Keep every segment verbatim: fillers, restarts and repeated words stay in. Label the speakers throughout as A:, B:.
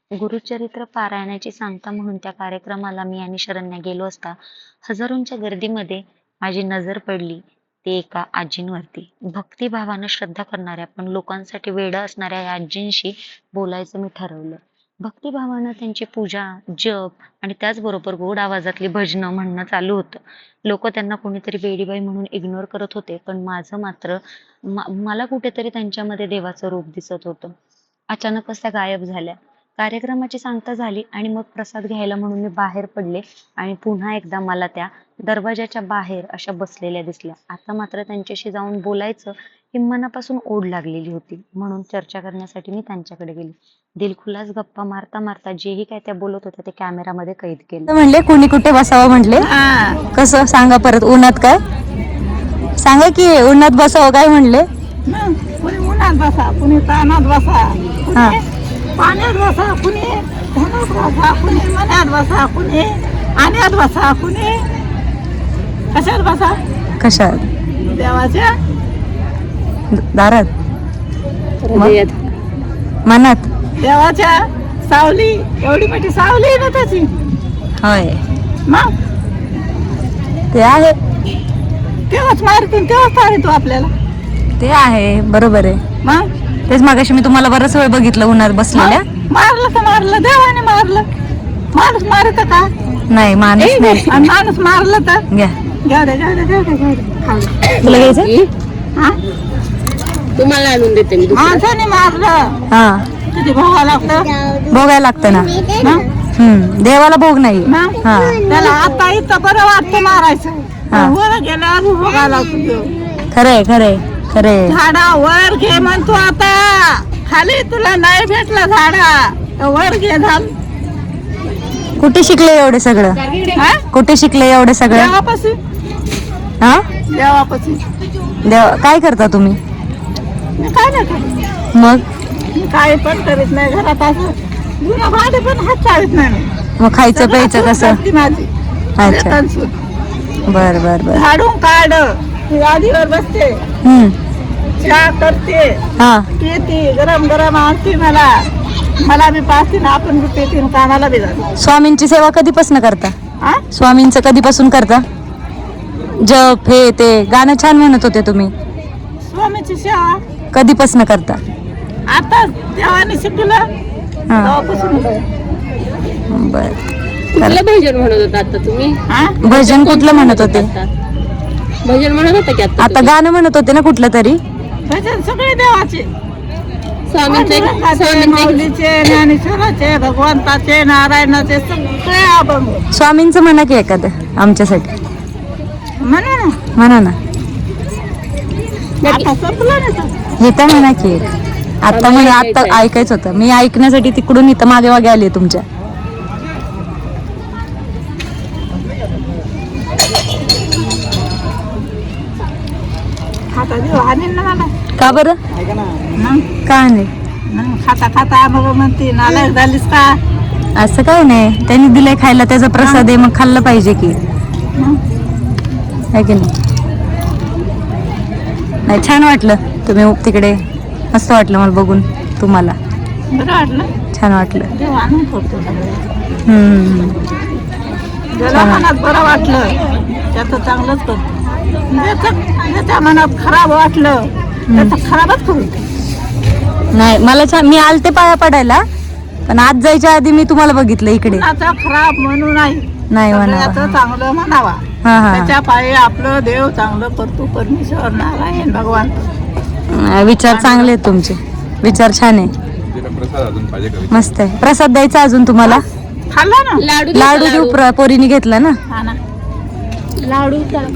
A: गुरुचरित्र पारायणाची सांगता म्हणून त्या कार्यक्रमाला मी आणि शरण्या गेलो असता हजारोंच्या गर्दीमध्ये माझी नजर पडली ते एका आजींवरती. भक्तिभावानं श्रद्धा करणाऱ्या पण लोकांसाठी वेडं असणाऱ्या या आजींशी बोलायचं मी ठरवलं. भक्तिभावानं त्यांची पूजा, जप आणि त्याचबरोबर गोड आवाजातली भजनं म्हणणं चालू होतं. लोक त्यांना कोणीतरी वेडीबाई म्हणून इग्नोर करत होते, पण माझं मात्र मा- मला कुठेतरी त्यांच्यामध्ये देवाचं रूप दिसत होतं. अचानकच त्या गायब झाल्या. कार्यक्रमाची सांगता झाली आणि मग प्रसाद घ्यायला म्हणून मी बाहेर पडले आणि पुन्हा एकदा मला त्या दरवाजाच्या बाहेर अशा बसलेल्या दिसल्या. आता मात्र त्यांच्याशी जाऊन बोलायचं ही मनापासून ओढ लागलेली होती, म्हणून चर्चा करण्यासाठी मी त्यांच्याकडे गेले. दिलखुलास गप्पा मारता मारता जेही काय त्या बोलत होत्या ते कॅमेरामध्ये कैद केलं.
B: म्हणले कुणी कुठे बसावं म्हटले. कसं सांगा परत. उन्हात काय सांगा की उन्हात बसावं काय म्हणले.
C: कुणी उन्हात बसा, कुणी तानात बसा,
B: हा
C: पाण्यात बसा, कुणी धनात बसा, कुणी मनात बसा, कुणी पाण्यात बसा, कुणी कशात बसा,
B: कशात.
C: देवाच्या
B: दारात मग? मनात.
C: देवाच्या सावली, एवढी मोठी सावली आहे ना त्याची.
B: होय
C: मग
B: ते आहे.
C: तेव्हाच मारतील, तेव्हाच तारितो आपल्याला.
B: ते आहे बरोबर आहे.
C: मग
B: तेच मागाशी मी तुम्हाला बराच वेळ बघितलं उन्हात बसलेल्या.
C: मारलं तर मारलं, देवाने मारलं. माणूस मारत का?
B: नाही माणूस नाही.
C: आणि माणूस मारलं तर
B: घ्या
C: जाऊ दे, जाऊ दे, जाऊ दे, जाऊ दे. खाऊ दे.
B: तुला घ्यायचं.
C: हा?
D: तुम्हाला आणून देते मी दुसरं.
C: माणसाने मारलं
B: हा
C: किती भोगा लागतं.
B: भोगायला लागतं ना.
C: मग
B: हम्म देवाला भोग नाही.
C: मग
B: हा
C: त्याला आता इथं बरं वाटतं मारायचं,
B: हा.
C: वर गेल्यावर भोगा लागतो.
B: खरंय खरंय खरंय.
C: झाडा वर घे म्हणतो आता. खाली तुला नाही भेटला झाडा तर वर घे. झाल
B: कुठे शिकले एवढे सगळं.
C: हा?
B: कुठे शिकले एवढे सगळं.
C: देवापाशी,
B: हा
C: देवापाशी.
B: देव काय करता तुम्ही
C: मी काय नाही करत.
B: मग.
C: मी काय पण करीत नाही घरात. असं जुनं भांडे पण हात चाळीत नाही मी.
B: मग खायचं प्यायचं
C: सगळं
B: कसं.
C: करते माझी.
B: अच्छा
C: लेकरं सून.
B: बर बर बर.
C: झाडून काढ, गादीवर बसते,
B: हम्म
C: चहा करते,
B: हा
C: पिते, गरम गरम आणते मला. मला बी पाचते ना, आपण बी पिते, कानाला बी जाते.
B: स्वामींची सेवा कधीपासून करता.
C: हा?
B: स्वामींचं कधीपासून करता. जप हे ते गाणं छान म्हणत होते तुम्ही.
C: स्वामीची सेवा
B: कधीपासून करता.
C: आता देवाने शिकलं
B: हा
C: तेव्हापासून.
B: बर.
D: कुठलं भजन म्हणत होता आता तुम्ही.
C: हा?
B: भजन कुठलं म्हणत होते.
D: आता? भजन म्हणत होता की आता
B: आता
D: तुम्ही?
B: गाणं म्हणत होते ना कुठलं तरी.
C: भजन सगळे देवाचे.
D: स्वामींचं एक-
C: पांडुरंगाचे,
D: स्वामींचं एक-
C: माऊलीचे, ज्ञानेश्वराचे, भगवंताचे, नारायणाचे सगळे अभंग
B: स्वामींचं म्हणा की एखादं आमच्यासाठी.
C: म्हणा ना.
B: म्हणा ना.
C: आता संपलं ना तर.
B: इथं म्हणा की एक. आता म्हणजे आता ऐकायचं होतं. मी ऐकण्यासाठी तिकडून इथं मागे मागे आले तुमच्या.
C: खाता देव आणेल ना मला.
B: का बरं.
C: मग
B: का नाही.
C: मग खाता खाता मग म्हणते नालायक झालीस का.
B: असं काय नाही. त्यांनी दिलंय खायला त्याचा प्रसाद आहे मग खाल्लं पाहिजे की.
C: मग
B: आहे की नाही. नाही छान वाटलं तुम्ही तिकडे. मस्त वाटलं मला बघून तुम्हाला.
C: बरं वाटलं.
B: छान वाटलं.
C: देव आणून करतो सगळं.
B: हम्म
C: ज्याला मनात बरं वाटलं त्याचं चांगलंच करतो. ज्याचं ज्याच्या मनात खराब वाटलं त्याचं खराबच करू.
B: नाही मला छान. मी आलते पाया पडायला पण आज जायच्या आधी मी तुम्हाला बघितलं इकडे.
C: कुणाचं खराब म्हणू नाही,
B: नाही
C: सगळ्याचं
B: म्हणावं.
C: चांगलं म्हणावा.
B: हा हा
C: त्याच्या पायी आपलं देव चांगलं करतो. परमेश्वर नारायण भगवान.
B: हा. विचार चांगले आहेत तुमचे. विचार छान आहे. मस्त आहे. प्रसाद द्यायचा अजून तुम्हाला.
C: खाल्ला ना.
D: लाडू
B: लाडू देऊ. प्र- पोरीने घेतला ना.
C: हा ना.
D: लाडू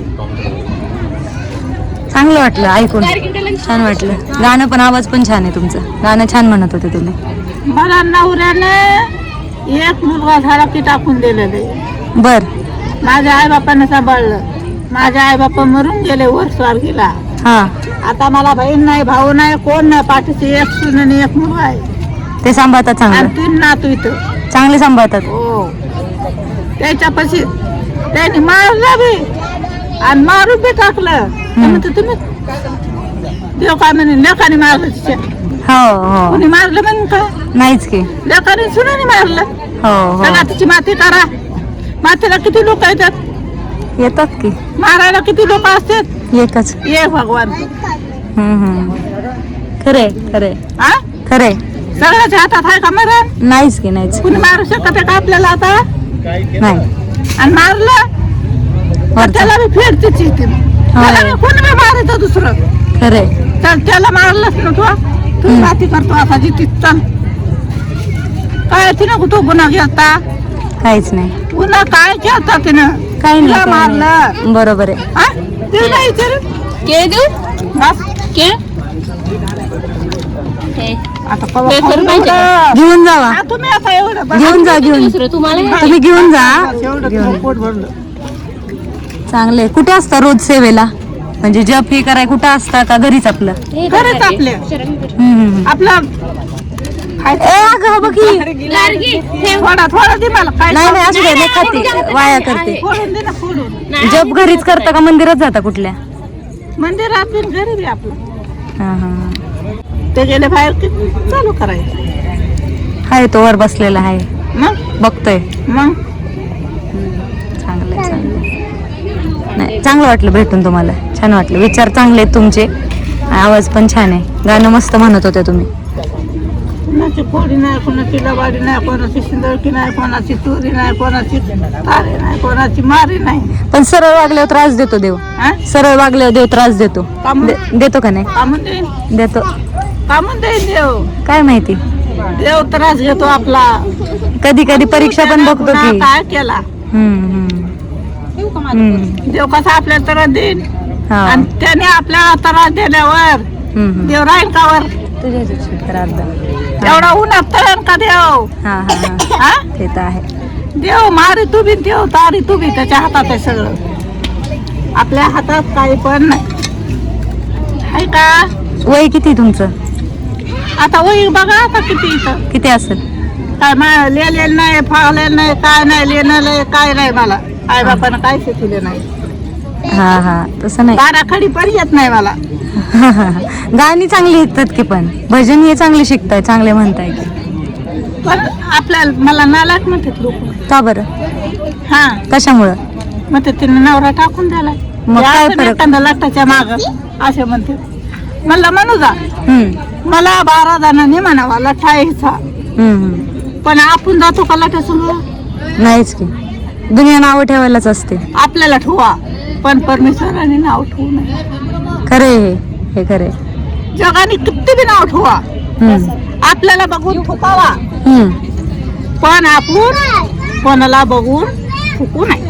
B: चांगलं वाटलं ऐकून. छान वाटलं. गाणं पण आवाज पण छान आहे तुमचं. गाणं छान म्हणत होते तुम्ही.
C: मला नवऱ्याने एक मुलगा झाला की टाकून दिलेले.
B: बर.
C: माझ्या आई बापाने सांभाळलं. माझ्या आई बापा मरून गेले वर स्वर्गीला.
B: हा
C: आता मला बहीण नाही, भाऊ नाही, कोण नाही. पाठीशी एक सून आणि एक मुलगा आहे
B: ते सांभाळतात
C: आणि
B: चांगलं.
C: तीन नातू इथं.
B: चांगले सांभाळतात.
C: हो. त्याच्यापाशी त्यांनी मारलं बी आणि मारून बी टाकलं. तर म्हणते तुम्ही देव काय म्हणे लेखाने मारलं तिच्या.
B: हो हो
C: कोणी मारलं म्हणून का
B: नाहीच की.
C: लेकरांनी सुनाने मारलं.
B: हो हो
C: चला तिची माती करा. मातीला किती लोक येतात
B: येतात की.
C: मारायला किती लोक असतात.
B: एकच.
C: ये भगवान.
B: हम्म हम्म खरे खरे
C: हा
B: खरे.
C: सगळ्याच्या हातात आहे का मरण.
B: नाहीच की नाहीच.
C: कुणी मारू शकत आहे का आपल्याला आता.
B: नाही.
C: आणि मारलं तर त्याला मी फेडते चिठ्ठी. त्याला मी कोणी बी मारायचं दुसरं.
B: खरे.
C: तर त्याला मारलंच ना तू तू माती करतो असा जिथे चल काय तिनं कुठं गुन्हा घेता.
B: काहीच नाही.
C: गुन्हा काय केलता तिनं.
B: काही
C: तिला
B: नाही.
C: मारलं.
B: बरोबर आहे.
C: हा तिला नाही विचारू.
D: के देऊ
C: बस.
D: के
C: आता कवा
D: पेपर
C: खाऊ
D: पाहिजे
C: एवढं.
B: घेऊन जावा.
C: हा, तुम्ही आता एवढं बस.
B: घेऊन जा घेऊन.
D: दुसरं तुम्हाला
B: तुम्ही घेऊन जा.
C: एवढं तुझं पोट भरलं.
B: चांगले. कुठे असता रोज सेवेला म्हणजे जप हे कराय कुठं असता का घरीच आपलं.
C: खरंच आपले
B: हम्म, हम्म.
C: आपला
B: ए अगं बघ ही.
C: थोडा थोडा दे मला काय
B: नाही नाही असू दे नाही खाते वाया करते.
C: फोडून दे ना फोडून.
B: जप घरीच करता का मंदिरात जाता कुठल्या.
C: मंदिरात बिन घरी बी आपलं.
B: हा हा
C: ते गेले बाहेर की चालू करायचं.
B: हाय तो वर बसलेला आहे
C: मग
B: बघतोय.
C: मग
B: चांगलंय चांगलंय. नाही चांगलं वाटलं भेटून तुम्हाला. छान वाटलं. विचार चांगले आहेत तुमचे. आवाज पण छान आहे. गाणं मस्त म्हणत होते तुम्ही.
C: कोणाची फोडी नाही कोणाची लबाडी नाही कोणाची शिंदळकी नाही कोणाची चोरी नाही कोणाची तारे नाही कोणाची मारी नाही.
B: पण सरळ वागल्यावर त्रास देतो देव.
C: हा?
B: सरळ वागल्यावर देव त्रास देतो.
C: का म्हणून?
B: दे- देतो का नाही.
C: कामून देईन
B: देतो.
C: कामून देईन देव.
B: काय माहिती.
C: देव त्रास घेतो आपला.
B: कधी कधी परीक्षा पण बघतो
C: गुन्हा
B: की.
C: काय केला
B: हम्म, हम्म. हम्म.
C: देव कसा आपल्याला त्रास देईन
B: हा.
C: आणि त्याने आपल्याला त्रास दिल्यावर
B: हम्म, हम्म.
C: देव राहील का वर.
B: तुझ्या ह्याच्यात तर अर्धा.
C: एवढा उन्हात तळण का देव.
B: हा हा हा
C: हा
B: ते तर आहे.
C: देव मारी तू बी देव तारी तू बी त्याच्या हातात आहे सगळं. आपल्या हातात काही पण नाही आहे का.
B: वय किती तुमचं.
C: आता वही बघा आता किती इथं
B: किती असेल.
C: काय मा लिहिलेलं नाही फाळलेलं नाही काय नाही लिहिलं नाही काय नाही मला आई बापानं काय शिकवलं नाही.
B: हा हा तसं नाही.
C: बारा खडी पण येत नाही मला.
B: गाणी चांगली येतात की पण भजन हे चांगले शिकताय चांगले म्हणताय की.
C: पण आपल्याला मला नालायक म्हणतात लोक.
B: का बरं.
C: हा
B: कशामुळं.
C: मग ते तिने नवरा टाकून द्याला.
B: मग काय फरक?
C: एखादा लाटाच्या माग असे म्हणते. मला म्हणू जा
B: हम्म
C: मला बारा जणांनी म्हणावा लठा यायचा
B: हम्म, हम्म.
C: पण आपण जातो का लठा समोर.
B: नाहीच की. दुनिया नावं ठेवायलाच असते.
C: आपल्याला ठेवा पण परमेश्वराने नाव ठेवू नये.
B: खरे हे हे खरे.
C: जगाने किती बी नाव ठेवा
B: हम्म
C: आपल्याला बघून थुकावा
B: हम्म.
C: पण आपण कोणाला बघून थुकू नाही.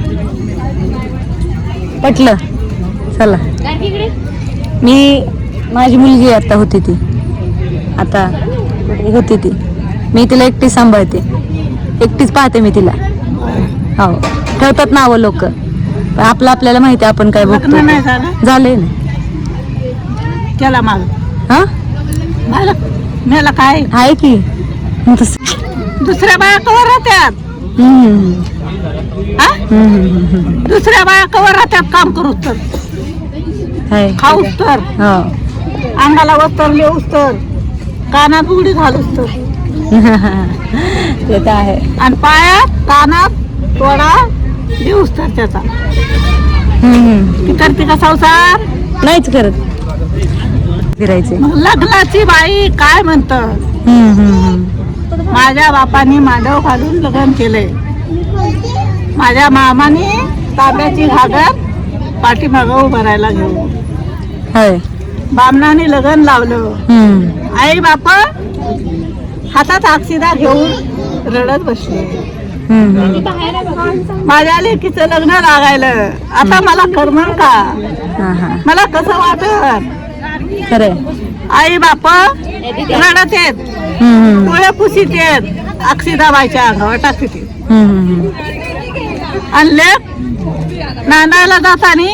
B: पटलं. चला. मी माझी मुलगी आता होती ती आता होती ती मी तिला एकटी सांभाळते. एकटीच पाहते मी तिला. हो ठेवतात नावं लोक पण आपलं आपल्याला माहिती आहे आपण काय बघतो.
C: लग्न नाही झालं
B: झालंय ना.
C: त्याला माग
B: हा
C: मला मेला काय
B: आहे की मग तसं-
C: दुसऱ्या बाया कवर राहत्यात.
B: हम्म,
C: हा?
B: हम्म, हम्म, हम्म.
C: दुसऱ्या बाया कवर राहत्यात काम करूच तर
B: आहे.
C: खाऊच तर
B: हो
C: अंगाला वस्तर लिहूच तर कानात बुगडी घालूच तर
B: ते तर आहे.
C: आणि पायात कानात तोडा लिहूच तर त्याचा.
B: हम्म, हम्म.
C: ती करते का संसार.
B: नाहीच करत. फिरायचे.
C: मग लग्नाची बाई काय म्हणत.
B: हम्म, हम्म, हम्म.
C: माझ्या बापाने मांडव घालून लग्न केलंय. माझ्या मामाने तांब्याची घागर पाठीमागं उभं राहायला घेऊन
B: होय.
C: बामणाने लग्न लावलं.
B: हम्म.
C: आई बाप हातात अक्षिदा घेऊन रडत बसले.
B: हम्म, हम्म.
C: माझ्या लेकीचं लग्न लागायलं आता मला करमन का.
B: हा हा
C: मला कसं वाटत.
B: खरंय.
C: आई बाप रडत येत
B: हम्म, हम्म.
C: डोळे पुसीत येत अक्षिदाबाईच्या अंगावर टाकते ते.
B: हम्म, हम्म.
C: आणि लेक नांदायला जातानी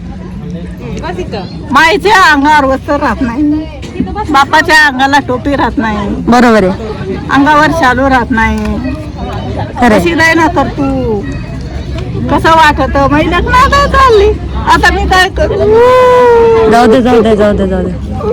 C: माईच्या अंगावर वस्त्र राहत नाही बापाच्या अंगाला टोपी राहत नाही
B: बरोबर आहे.
C: अंगावर शालू राहत नाही.
B: खरंय.
C: कशी नाही ना कर तू कसं वाटत महिन्यात ना चालली आता मी काय करू?
B: जाऊ दे जाऊ दे जाऊ दे जाऊ दे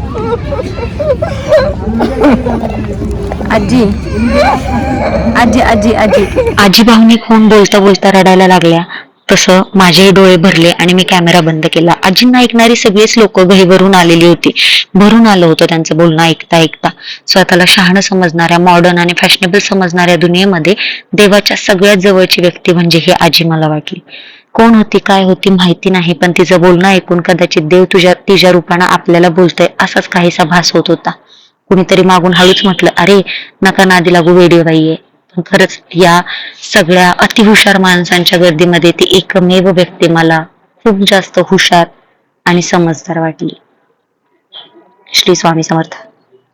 B: आजी आजी आजी आजी
A: आजी भावनिक होऊन बोलता बोलता रडायला लागल्या. तसं माझे डोळे भरले आणि मी कॅमेरा बंद केला. आजींना ऐकणारी सगळीच लोक घहीभरून आलेली होती. भरून आलं होतं त्यांचं बोलणं ऐकता ऐकता. स्वतःला शहाणं समजणाऱ्या, मॉडर्न आणि फॅशनेबल समजणाऱ्या दुनियेमध्ये देवाच्या सगळ्यात जवळची व्यक्ती म्हणजे ही आजी मला वाटली. कोण होती, काय होती माहिती नाही, पण तिचं बोलणं ऐकून कदाचित देव तुझ्या तिच्या रूपानं आपल्याला बोलतोय असाच काहीसा भास होत होता. कुणीतरी मागून हळूच म्हटलं, अरे नका नादी लागू, वेडी बाई आहे. पण खरंच या सगळ्या अतिहुशार माणसांच्या गर्दीमध्ये ती एकमेव व्यक्ती मला खूप जास्त हुशार आणि समजदार वाटली. श्री स्वामी समर्थ.